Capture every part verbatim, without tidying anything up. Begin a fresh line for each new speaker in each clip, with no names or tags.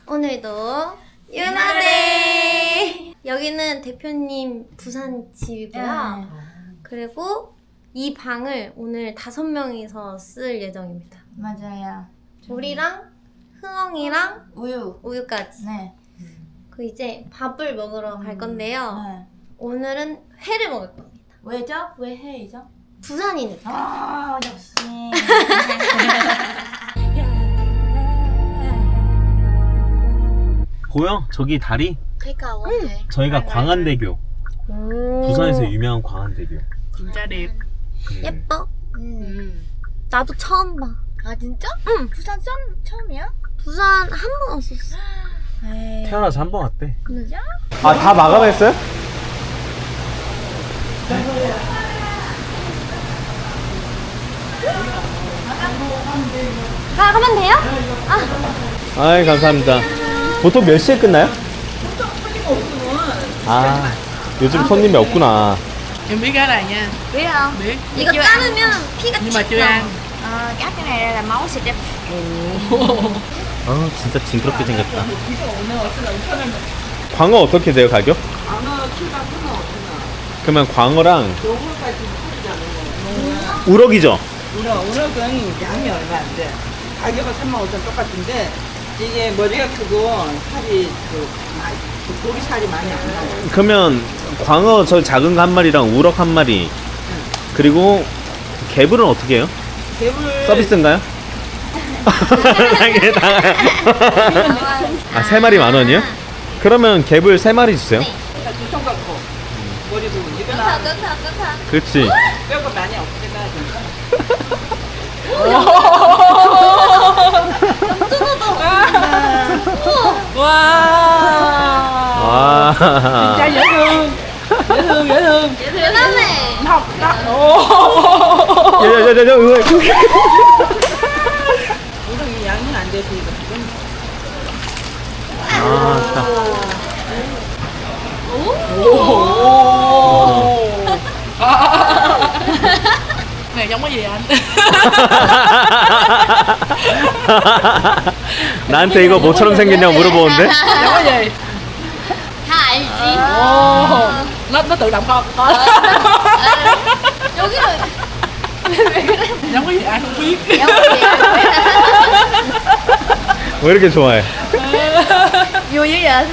오늘도 유나데이! 여기는 대표님 부산 집이고요.
네.
그리고 이 방을 오늘 다섯 명이서 쓸 예정입니다.
맞아요.
우리랑 흥엉이랑
우유.
우유까지.
네.
그 이제 밥을 먹으러 갈 건데요.
네.
오늘은 회를 먹을 겁니다.
왜죠? 왜 해이죠?
부산이니까.
아 역시.
보여? 저기 다리?
그러니까
응.
저희가 광안대교.
오.
부산에서 유명한 광안대교.
진짜 đẹp.
음.
예뻐?
음.
나도 처음 봐.
아 진짜?
응.
부산 처음 처음이야?
부산 한 번 왔었어.
에이.
태어나서 한 번 왔대.
진짜?
아, 다 마감했어요?
가, 가면 돼요? 아.
아이, 감사합니다. 보통 몇 시에 끝나요? 아, 요즘 손님이 없구나.
Em biết cái này nha.
biết không?
Biết.
이거 자르면 피가
Nhưng mà
쫙
chưa
나와.
ăn.
어, cắt cái này ra là máu xịt ra.
아, 진짜 징그럽게 생겼다. 광어 어떻게 돼요, 가격? 그러면 광어랑 우럭이죠?
우럭, 우럭은 양이 얼마 안 돼. 가격은 삼만 오천 똑같은데 이게 머리가 크고 살이 그, 많이- 그 고기 살이 많이 안 나요.
그러면 광어 저 작은 거 한 마리랑 우럭 한 마리 그리고 개불은 어떻게 해요?
개불
서비스인가요? 아, 세 마리 만 원이요? 그러면 개불 세 마리 주세요.
두손 갖고 머리 부분 이거
끄타,
나
끄타, 끄타.
그렇지.
뼈가 많이 없애놔야
Wow.
와.
Cha dễ thương. Dễ thương, dễ thương.
대단해.
Học đó. Ồ.
야야야야.
우럭이 양이 안 돼서 이거 지금
아,
Này giống cái gì anh?
나한테 이거 뭐처럼 생겼냐고 물어보는데?
Giống cái gì?
다 알지.
Ồ. Nó nó tự động con. Con.
여기는
Giống cái gì ai không biết.
왜 이렇게 좋아해?
vui dữ vậy?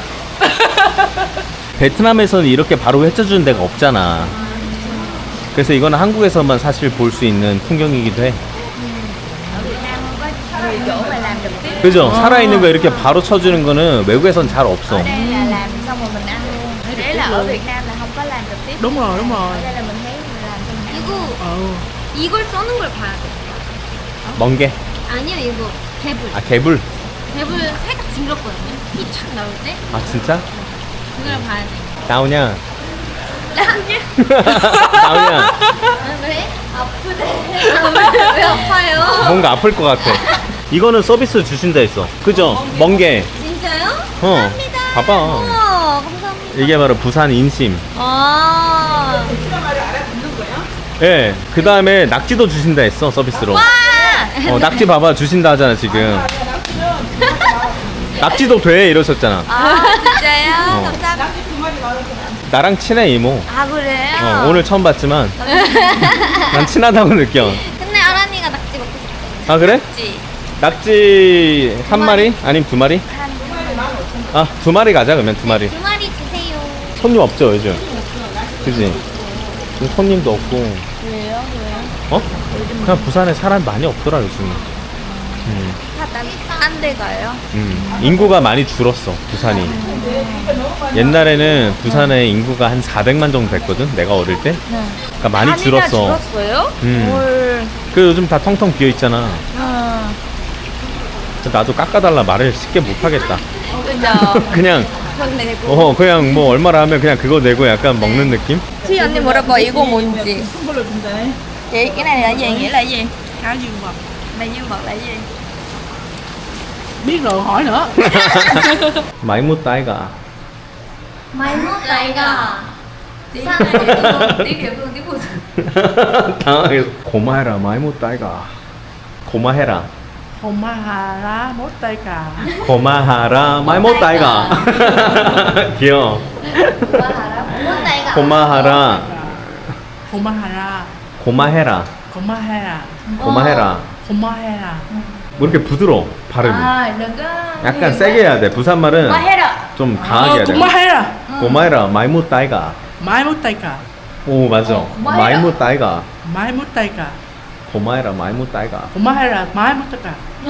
베트남에서는 이렇게 바로 헤쳐주는 데가 없잖아. 그래서 이거는 한국에서만 사실 볼 수 있는 풍경이기도 해.
Ở Việt Nam không có có chỗ mà làm trực tiếp.
그죠? 살아있는 거 이렇게 바로 쳐주는 거는 외국에선 잘 없어.
Ở đây là làm xong rồi mình ăn luôn. Đấy là ở Việt Nam là không có làm trực tiếp.
Đúng rồi, đúng rồi.
Ở đây là mình thấy mình làm cho mình ăn.
이거
Ừ.
이걸 써는 걸 봐야 돼.
멍게.
아니야 이거 개불.
아, 개불.
개불 살짝 징그럽거든요. 피 착 나올 때
아, 진짜?
그걸 봐야 돼.
나오냐?
나냐?
나오냐?
아, 그래? 아프대. 왜, 왜 아파요?
뭔가 아플 것 같아. 이거는 서비스 주신다 했어. 그죠? 멍게.
진짜요?
어.
감사합니다.
봐봐.
우와, 감사합니다.
이게 바로 부산 인심.
아.
예. 그 다음에 낙지도 주신다 했어, 서비스로.
와!
어, 낙지 봐봐. 주신다 하잖아, 지금. 낙지도 돼. 이러셨잖아.
아, 진짜요?
어.
감사합니다.
나랑 친해, 이모.
아, 그래요?
어, 오늘 처음 봤지만. 난 친하다고 느껴.
근데 아란이가 낙지 먹고 싶대.
아, 그래?
낙지.
낙지 한 마리? 아니면 두 마리? 아, 두 마리 가자, 그러면 두 마리.
두 마리 주세요.
손님 없죠, 요즘? 그지? 요즘 손님도 없고.
왜요? 왜요?
어? 그냥 부산에 사람 많이 없더라, 요즘. 음,
딴 데 가요?
음. 인구가 많이 줄었어, 부산이. 옛날에는 부산에 인구가 한 사백만 정도 됐거든, 내가 어릴 때. 그러니까 많이 줄었어.
줄었어요?
음.
뭘?
그 요즘 다 텅텅 비어 있잖아.
어.
나도 깎아달라 말을 쉽게 못 하겠다.
그죠?
그냥,
그건 내고.
어, 그냥 뭐 얼마나 하면 그냥 그거 내고 약간 먹는 느낌?
Thì 언니 물어봐 이거 뭔지.
선물로 준다.
Chị cái này là gì? Nghĩa là gì?
Cá dương vật.
Là dương vật là gì?
Biết rồi hỏi nữa.
많이 못 따이가.
많이 먹다, 이가.
부산에 대해서 되게 예쁜 띠고
당황해서 고마해라 많이 못 따이가. 고마해라.
고마하라 못다이가.
고마하라 말 못다이가. 귀여워.
뭔가
고마하라
고마하라.
고마해라
고마해라.
고마해라.
고마해라.
뭐 이렇게 부드러워 발음이.
À, đừng có
약간 세게 해야 돼. 부산 말은
Quá hết rồi.
좀 강하게 해야 돼.
고마해라.
고마해라 말 못다이가.
말 못다이가.
오 맞아.
고마해라.
말 못다이가.
말 못다이가.
고마해라 말 못다이가.
고마해라. 말 못다이가.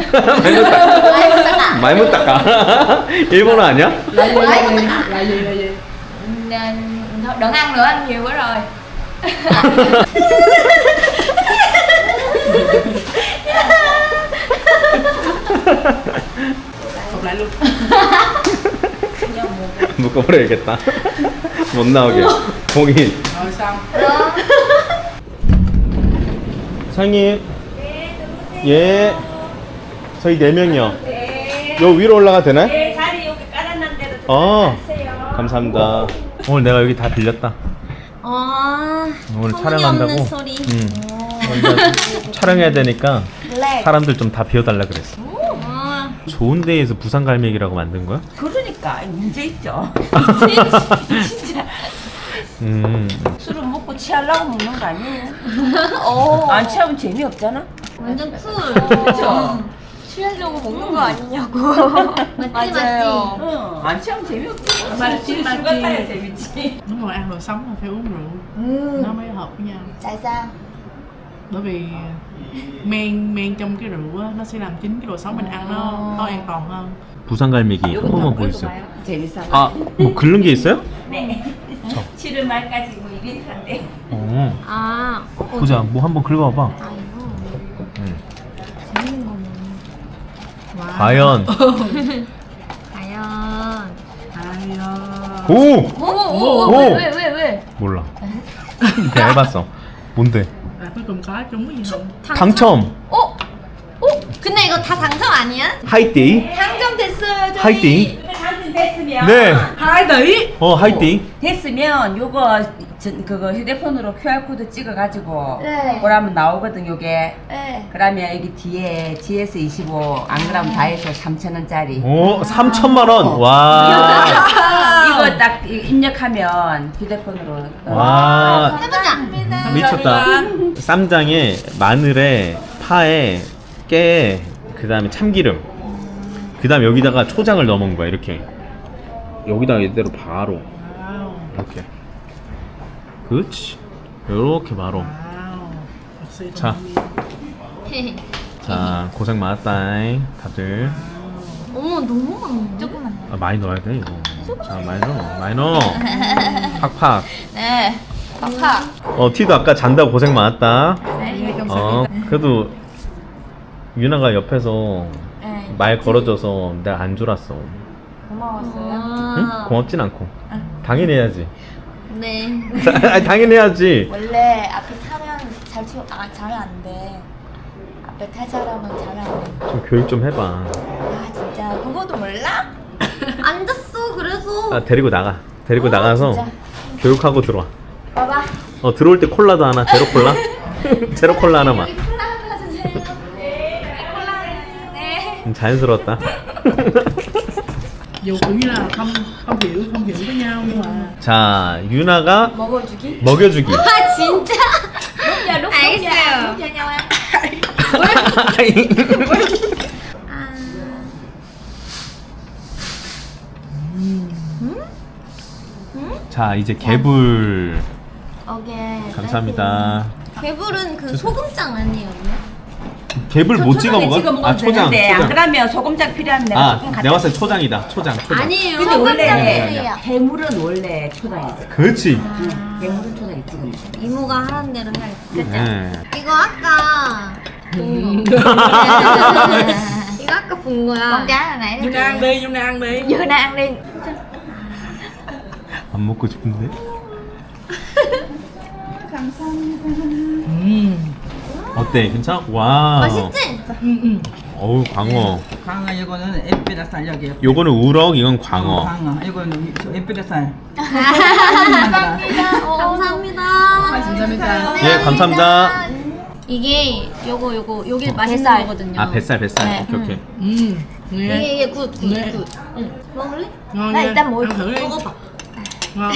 말 못다가. 일본어 아니야?
Là gì là gì? Là gì là gì?
Nên thôi đừng ăn nữa, ăn nhiều quá rồi.
Học lại luôn.
묶어버려야겠다. 못 나오게. 공이.
Rồi xong.
사장님. 예. 저희 네 명이요. 요 위로 올라가 되나요?
네, 자리 여기 깔아놓은 대로
어.
들어가세요.
감사합니다. 오늘 내가 여기 다 빌렸다.
아,
오늘
터무니없는
촬영한다고.
소리.
응. 오늘 촬영해야 되니까 사람들 좀 다 비워달라 그랬어.
아,
좋은 데에서 부산 갈매기라고 만든 거야?
그러니까 문제 있죠. 진짜
음.
술은 먹고 취하려고 먹는 거 아니에요? 안 취하면 재미없잖아.
완전 쿨.
그렇죠.
취하려고 먹는 거 아니냐고.
맞지, 맞지.
응. 안 취하면 재미없지.
맞지, 맞지.
술 같아야 재밌지.
Đúng rồi, ăn rồi sống là phải uống rượu.
Ừ.
Nó mới hợp với nhau.
Tại sao?
Bởi vì men men trong cái rượu á, nó sẽ làm chính cái đồ sống mình ăn nó nó an toàn hơn.
부산 갈매기 한 번만 보여주세요.
재밌어.
아, 뭐 긁는 게 있어요?
네. 칠월 말까지 뭐 이벤트 한대.
어.
아, 어,
보자, 뭐 한번 긁어봐.
아, 이거.
응.
재밌는 거네. 와.
과연.
과연.
Hay.
오!
Ồ, ồ,
Ồ.
왜, 왜, 왜, 왜?
몰라. 그냥 해봤어. 뭔데?
À, cuối cùng có trúng cái gì không?
당첨.
어? 어? 근데 이거 다 당첨 아니야?
하이띠.
당첨됐어요, 저희.
하이띠.
이거 당첨됐으면
네.
Hai tỷ.
어, 하이띠.
됐으면 요거 전, 그거 휴대폰으로 큐알코드 찍어가지고
네.
그러면 나오거든 요게.
네.
그러면 여기 뒤에 지에스 이십오 안 그러면 다 해서 삼천 원짜리.
오, 삼천만 원. 와.
이거 딱 이- 입력하면 휴대폰으로.
와.
해보자.
미쳤다. 쌈장에 마늘에 파에 깨에 그다음에 참기름. 그다음 여기다가 초장을 넣어먹는 거야 이렇게. 여기다가 이대로 바로
Wow.
이렇게. 그렇지. 이렇게 바로.
Wow. Thật sự
자.
thông
자, 고생 많았다. 다들.
어머, 너무 많네.
조금만.
아, 많이 넣어야 돼 이거. 자, 많이 넣어. 많이 넣어. 팍팍.
네. 팍팍.
어, 티도 아까 잔다고 고생 많았다.
네.
어, 그래도 유나가 옆에서
네.
말 걸어줘서 내가 안 졸았어.
고마웠어요.
응?
아,
고맙진 않고. 당연히 해야지.
네.
아니, 당연히 해야지.
원래 앞에 타면 잘 치워, 아, 자면 안 돼. 앞에 탈 사람은 자면 안 돼.
좀 교육 좀 해봐.
아, 진짜. 그거도 몰라?
앉았어, 그래서.
아, 데리고 나가. 데리고
어,
나가서
진짜?
교육하고 들어와.
봐봐.
어, 들어올 때 콜라도 하나, 제로 콜라. 제로 콜라 하나만.
콜라 하나 주세요. 네. 콜라. 네.
좀 자연스러웠다.
Dù kiểu như là không không hiểu không hiểu với nhau nhưng mà
자, 유나가
먹어주기?
먹여주기.
아, 진짜?
Đúng giờ, đúng, đúng giờ.
알겠어요.
Đúng cho nhau ăn.
아,
자, 이제 개불.
오케이.
감사합니다.
개불은 그 소금장 아니에요?
개불 못 찍어 먹어?
찍어 먹어도
아, 초장.
되는데 안
초장.
그러면 소금장 필요하면 내가
아,
조금 갖다
내가 봤을 때 초장이다. 초장, 초장.
아니에요.
근데 원래
소금장이에요.
해물은 원래 초장이지.
그렇지.
해물은 초장이 찍어 먹어.
이모가 하는 대로 해야겠다. 그죠?
네.
이거 아까 본 거. 이거 아까 본 거야.
Con cá hồi nãy.
Yuna ăn đi, Yuna ăn đi.
Yuna ăn đi.
안 먹고 싶은데?
음.
어때? 괜찮아? 와.
맛있지?
어우, 광어.
광어 이거는 엠피라살 여기.
요거는 우럭, 이건 광어.
광어 이거는 엠피라살.
감사합니다. 어, 감사합니다.
감사합니다.
예, 감사합니다.
이게 요거 요거 요게 맛있는
뱃살.
거거든요.
아 뱃살 뱃살.
네.
오케이 오케이.
음, nghe.
이게 이게 굿, 굿,
네.
굿. 응. 먹을래?
Ngon
Đây,
nha.
ta muối.
Ăn thử đi.
먹어봐.
Ngon.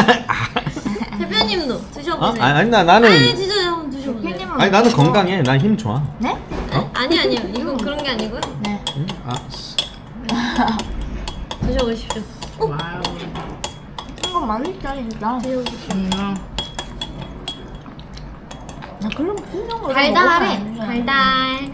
대표님도
어?
드셔보세요.
아니, 아니 나 나는
아니 진짜 한번 드셔보세요.
대표님은
아니 나는 건강해. 난 힘 좋아.
네?
아니 아니요. 이건 그런 게 아니고요.
네.
응? 아.
드셔보십시오.
Wow.
이거 맛있다 진짜.
드셔보십시오.
Ừ, ngon.
나 그런 풀린 거
달달해. 달달.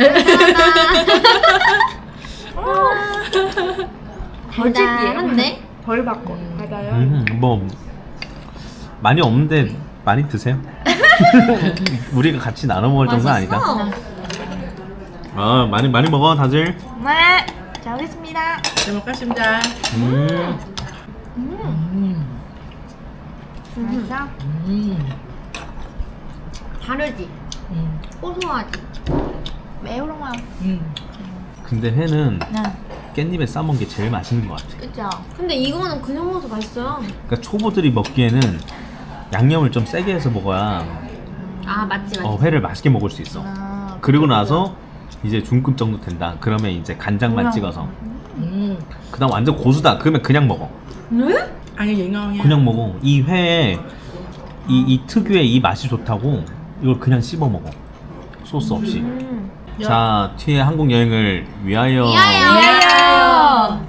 달달한데?
덜 받고. 달달요?
음, 뭐 많이 없는데 많이 드세요. 우리가 같이 나눠 먹을 정도는 아니다.
맛있어.
아 많이 많이 먹어 다들.
네. 잘 먹겠습니다.
잘 먹겠습니다.
음.
맛있어?
음.
다르지?
음.
고소하지?
매우롱아.
음.
근데 회는
네.
깻잎에 싸먹은 게 제일 맛있는 것 같아.
그죠?
근데 이거는 그냥 먹어도 맛있어요.
그러니까 초보들이 먹기에는 양념을 좀 세게 해서 먹어야
아 맞지 맞지.
어, 회를 맛있게 먹을 수 있어.
아,
그리고 나서 이제 중급 정도 된다. 그러면 이제 간장만
그냥.
찍어서.
음.
그다음 완전 고수다. 그러면 그냥 먹어.
네?
Ăn như vậy ngon nha.
그냥 먹어. 이 회에 이, 이 특유의 이 맛이 좋다고 이걸 그냥 씹어 먹어. 소스 없이.
음.
자, 티의 한국 여행을 위하여.
위하여.
위하여.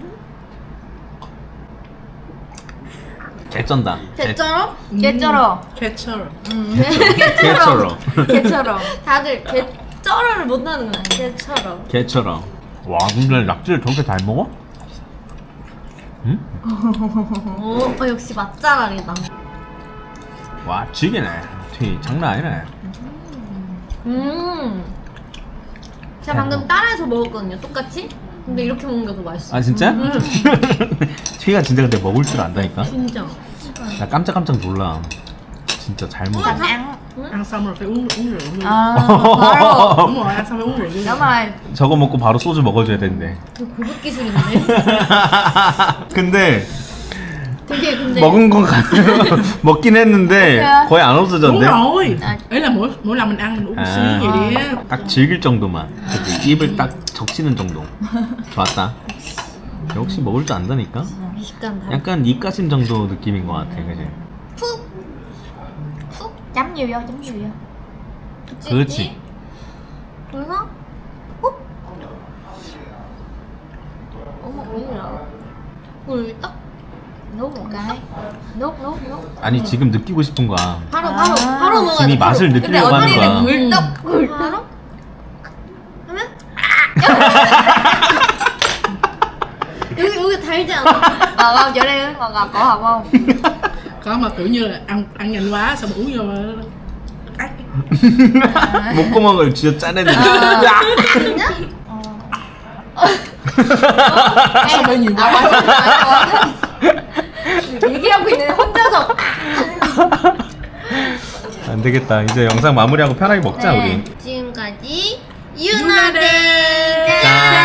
개쩐다.
개처럼?
개쩔어.
Ketchup.
개처럼.
개처럼.
다들 개쩔어를 못하는 거야. 개처럼.
개처럼. 와, 근데 낙지를 저렇게 잘 먹어? 응?
오, 어, 역시 맛잘알이다.
와, 지기네. 티 장난 아니네.
음. 제가 방금 따라해서 먹었거든요. 똑같이. 근데 이렇게 먹는 게 더 맛있어.
아 진짜? 티가 진짜 근데 먹을 줄 안다니까.
진짜.
나 깜짝깜짝 놀라. 진짜 잘 먹어.
ăn.
Ăn xong rồi phải uống uống rượu luôn.
아, 바로.
Đúng rồi, ăn xong phải uống rượu luôn.
Đúng rồi.
저거 먹고 바로 소주 먹어줘야 되는데.
되게 고급 기술인데.
근데
되게 근데
먹은 건 가- 먹긴 했는데
그래요?
거의 안
Đúng
없어졌네.
rồi.
À.
Ý là mỗi mỗi lần mình ăn mình uống xíu vậy đi á.
딱 즐길 정도만. 그치? 입을 딱 적시는 정도. 좋았다. 역시 먹을 줄 안다니까.
미식감 다.
약간 입가심 정도 느낌인 것 같아, 그지?
푹. 푹.
Chấm nhiều vô, chấm nhiều vô.
찍지?
그렇지.
그래서 푹. 어머 뭐야? 꿀떡.
Nuốt một cái. Nuốt, nuốt, nuốt.
아니 지금 느끼고 싶은 거야.
바로 바로
아.
바로 먹어야
지금
돼.
이 맛을
바로.
느끼려고 하는 거야.
언니는 꿀떡 꿀떡. 바로. 하면 여기 여기 달지 않아?
Ngọt không? Chỗ đây ngọt ngọt cổ họng không?
Có mà kiểu như là ăn ăn nhanh quá xong uống vô mà ác.
목구멍을 쥐어 짜내는.
아.
야!
진짜?
Sao bị nhiều quá.
얘기하고 있는데 혼자서.
안 되겠다. 이제 영상 마무리하고 편하게 먹자
네.
우리.
지금까지 유나데
짠.